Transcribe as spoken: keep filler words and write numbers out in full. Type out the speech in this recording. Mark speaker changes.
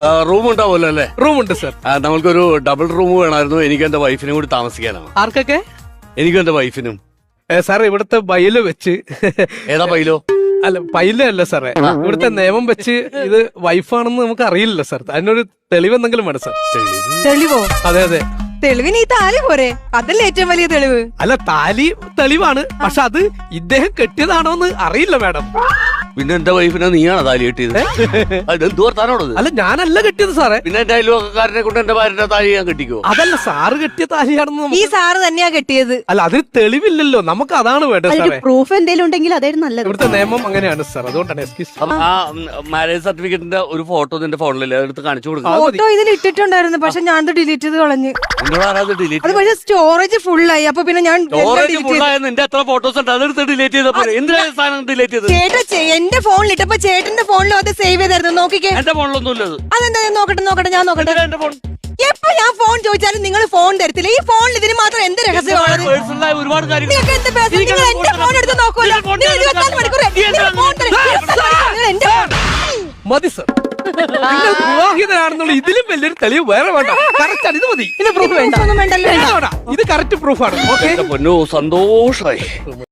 Speaker 1: Room ഉണ്ടാവുമല്ലോ അല്ലേ?
Speaker 2: റൂമുണ്ട് സർ.
Speaker 1: നമ്മൾക്കൊരു ഡബിൾ റൂം വേണമായിരുന്നു. എനിക്കും എന്റെ വൈഫിനും കൂടി താമസിക്കാനാണ്.
Speaker 2: ആർക്കൊക്കെ?
Speaker 1: എനിക്കും എന്റെ വൈഫിനും.
Speaker 2: സാർ ഇവിടുത്തെ ബൈല് വെച്ച്.
Speaker 1: ഏതാ ബൈലോ?
Speaker 2: അല്ല ബൈല അല്ല സാറേ, ഇവിടുത്തെ നിയമം വെച്ച് ഇത് വൈഫാണെന്ന് നമുക്ക് അറിയില്ലല്ലോ സാർ. അതിനൊരു തെളിവ് എന്തെങ്കിലും വേണം സാർ.
Speaker 3: തെളിവോ?
Speaker 2: അതെ അതെ.
Speaker 3: തെളിവിന് ഈ താലി പോരെ, അതല്ലേ ഏറ്റവും വലിയ തെളിവ്.
Speaker 2: അല്ല താലി തെളിവാണ്, പക്ഷെ അത് ഇദ്ദേഹം കെട്ടിയതാണോ എന്ന് അറിയില്ല മാഡം.
Speaker 1: പിന്നെ എന്റെ വൈഫിനെ നീയാണ് താലി കെട്ടിയത്? എന്ത് വർത്താനോടത്?
Speaker 2: അല്ല ഞാനല്ല കെട്ടിയത് സാറേ.
Speaker 1: പിന്നെ എന്റെ അയൽവക്കാരനെ കൊണ്ട് എന്റെ ഭാര്യന്റെ താലി ഞാൻ കെട്ടിക്കോ?
Speaker 2: അതല്ല സാറ് കെട്ടിയ താലിയാണെന്ന്
Speaker 3: ഈ സാറ് തന്നെയാ കെട്ടിയത്.
Speaker 2: അല്ല അതിന് തെളിവില്ലല്ലോ, നമുക്ക് അതാണ് വേണ്ടത് സാറേ.
Speaker 4: പ്രൂഫ് എന്തെങ്കിലും ഉണ്ടെങ്കിൽ അതായിരുന്നു നല്ലത്.
Speaker 2: ഇവിടുത്തെ നിയമം അങ്ങനെയാണ് സാർ, അതുകൊണ്ടാണ്.
Speaker 1: ആ മാരേജ് സർട്ടിഫിക്കറ്റിന്റെ ഒരു ഫോട്ടോ നിന്റെ ഫോണിലല്ലേ, അതെടുത്ത് കാണിച്ചു കൊടുക്കാം.
Speaker 3: ഫോട്ടോ ഇതിൽ ഇട്ടിട്ടുണ്ടായിരുന്നു, പക്ഷെ ഞാൻ ഡിലീറ്റ് ചെയ്ത് കളഞ്ഞു. അത്
Speaker 1: ഡിലീറ്റ്
Speaker 3: പക്ഷെ സ്റ്റോറേജ് ഫുള്ളായി. അപ്പൊ പിന്നെ ഞാൻ
Speaker 1: സ്റ്റോറേജ് ഫുള്ളായ നിന്റെ എത്ര ഫോട്ടോസ് ഉണ്ട് അതെടുത്ത് ഡിലീറ്റ് ചെയ്തപ്പോ എന്തിനാണ് സാധനം ഡിലീറ്റ് ചെയ്തത്?
Speaker 3: ചേട്ടാ എന്റെ ഫോണിൽ ഇട്ടപ്പോ ചേട്ടന്റെ ഫോണിലും അത് സേവ് ചെയ്തായിരുന്നു. നോക്കിക്കേ.
Speaker 1: എന്റെ ഫോണിലൊന്നും ഇല്ലത്.
Speaker 3: അതെന്താ? നോക്കട്ടെ നോക്കട്ടെ ഞാൻ നോക്കട്ടെ.
Speaker 1: എന്റെ ഫോൺ
Speaker 3: എപ്പോ ഞാൻ ഫോൺ ചോദിച്ചാലും നിങ്ങൾ ഫോൺ തരത്തില്ല. ഈ ഫോണിൽ ഇതിന് മാത്രം എന്ത് രഹസ്യമാണ്?
Speaker 1: പേഴ്സണലായ ഒരുപാട് കാര്യങ്ങൾ.
Speaker 3: നിങ്ങൾക്ക് എന്ത് പേഴ്സണൽ? നിങ്ങൾ എന്റെ ഫോൺ എടുത്ത് നോക്കുമല്ലോ. നിങ്ങൾ ഇരുപത്തിനാല് മണിക്കൂർ നിങ്ങൾ ഫോൺ തരും. നിങ്ങൾ എന്റെ ഫോൺ
Speaker 2: മതി സർ. നിങ്ങൾ വിവാഹിതരാണെന്നുള്ള ഇതിലും വലിയൊരു തെളിവ് വേറെ വേണ്ട. കറക്റ്റ് ആണ്, ഇത് മതി.
Speaker 3: പ്രൂഫ് വേണ്ട. ഒന്നും വേണ്ടല്ലോ.
Speaker 2: ഇത് കറക്റ്റ് പ്രൂഫാണ്. ഓക്കെ
Speaker 1: പൊന്നോ സന്തോഷായി.